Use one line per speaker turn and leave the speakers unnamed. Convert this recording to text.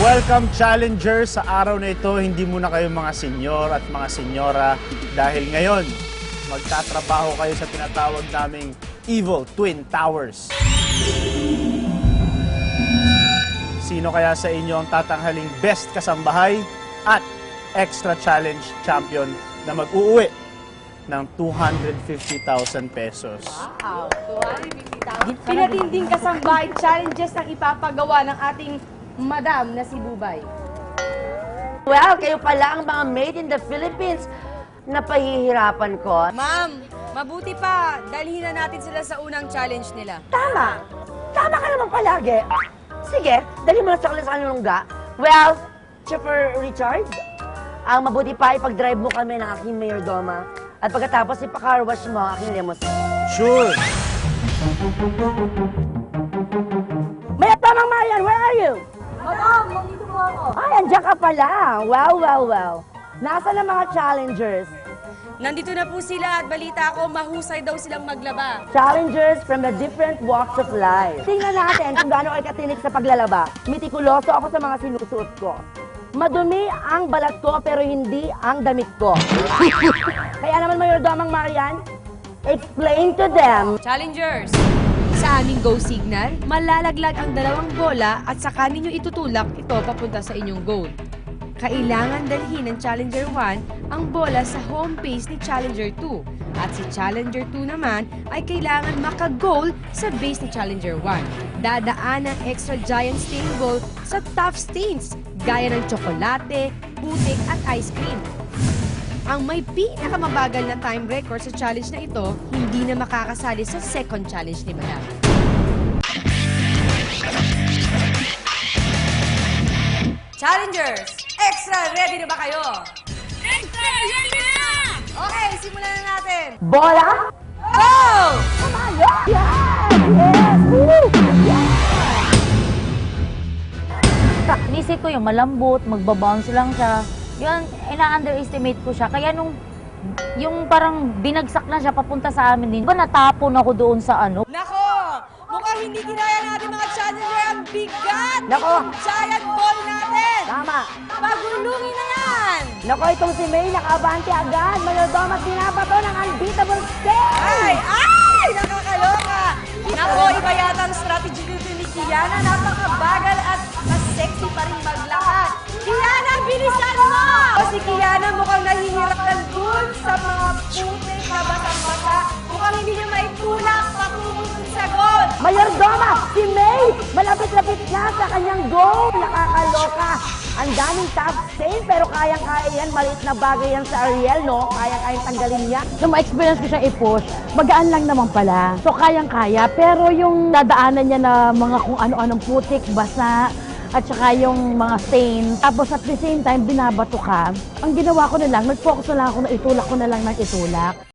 Welcome challengers! Sa araw na ito, hindi muna kayo mga senyor at mga senyora dahil ngayon, magtatrabaho kayo sa tinatawag naming Evil Twin Towers. Sino kaya sa inyo ang tatanghaling best kasambahay at extra challenge champion na mag-uuwi ng 250,000 pesos?
Wow, 250,000. Pinatinding kasambahay challenges ang ipapagawa ng ating madam na si Bubay.
Well, kayo pala ang mga made in the Philippines na pahihirapan ko.
Ma'am, mabuti pa. Dalhin na natin sila sa unang challenge nila.
Tama! Tama ka naman palagi. Sige, dali mo na sa kanilang lungga. Well, Chipper Richard, ang mabuti pa ipag-drive mo kami ng aking mayordoma. At pagkatapos ipa-car wash mo ang aking limousine.
Sure!
Mayatamang Marian, where are you?
Madam, nandito po ako.
Ay, andyan ka pala. Wow, wow, wow. Nasaan ang mga challengers?
Nandito na po sila at balita ko mahusay daw silang maglaba.
Challengers from the different walks of life. Tingnan natin kung gaano kayo katinik sa paglalaba. Mitikuloso ako sa mga sinusuot ko. Madumi ang balat ko pero hindi ang damit ko. Kaya naman Mayordomang Marian, explain to them.
Challengers! Sa aming go signal, malalaglag ang dalawang bola at saka ninyo itutulak ito papunta sa inyong goal. Kailangan dalhin ng Challenger 1 ang bola sa home base ni Challenger 2 at si Challenger 2 naman ay kailangan maka-goal sa base ni Challenger 1. Dadaan ang extra giant stain ball sa tough stains gaya ng tsokolate, putik at ice cream. Ang may pinakamabagal na time record sa challenge na ito, hindi na makakasali sa second challenge ni Madam. Challengers! Extra ready na ba kayo? Extra ready na! Okay, simulan na natin.
Bola?
Go!
Yes! Yes! Woo!
Nisip ko yung malambot, magbabounce lang siya. Yun, ina-underestimate ko siya. Kaya nung yung parang binagsak na siya papunta sa amin din, natapon ako doon sa ano.
Nako! Mukhang hindi ginaya natin mga challenger ang bigat!
Nako!
Giant ball natin!
Tama!
Pagulungin na yan!
Nako, itong si May nakaabante agad. Mayordoma binabato ng unbeatable stay!
Ay! Ay! Nakakaloka! Nako, iba yata ang strategy dito ni Kiana. Napakabagal at mas sexy pa rin maglakad. Kiana, bilisan mo! O si Kiana mukhang nahihirap ng dun sa mga putik na basang-basa. Mukhang hindi niya maitulak patungo dun sa goal.
Mayordoma, si May, malapit-lapit na sa kanyang goal. Nakakaloka. Ang daming top stain, pero kayang-kaya yan. Maliit na bagay yan sa Ariel, no? Kayang-kayang tanggalin niya.
Nung ma-experience ko siyang i-push, magaan lang naman pala. So, kayang-kaya. Pero yung dadaanan niya na mga kung ano-anong putik, basa, at saka yung mga stain. Tapos at the same time, binabato ka. Ang ginawa ko na lang, nag-focus na lang ako na itulak ko na lang ng itulak.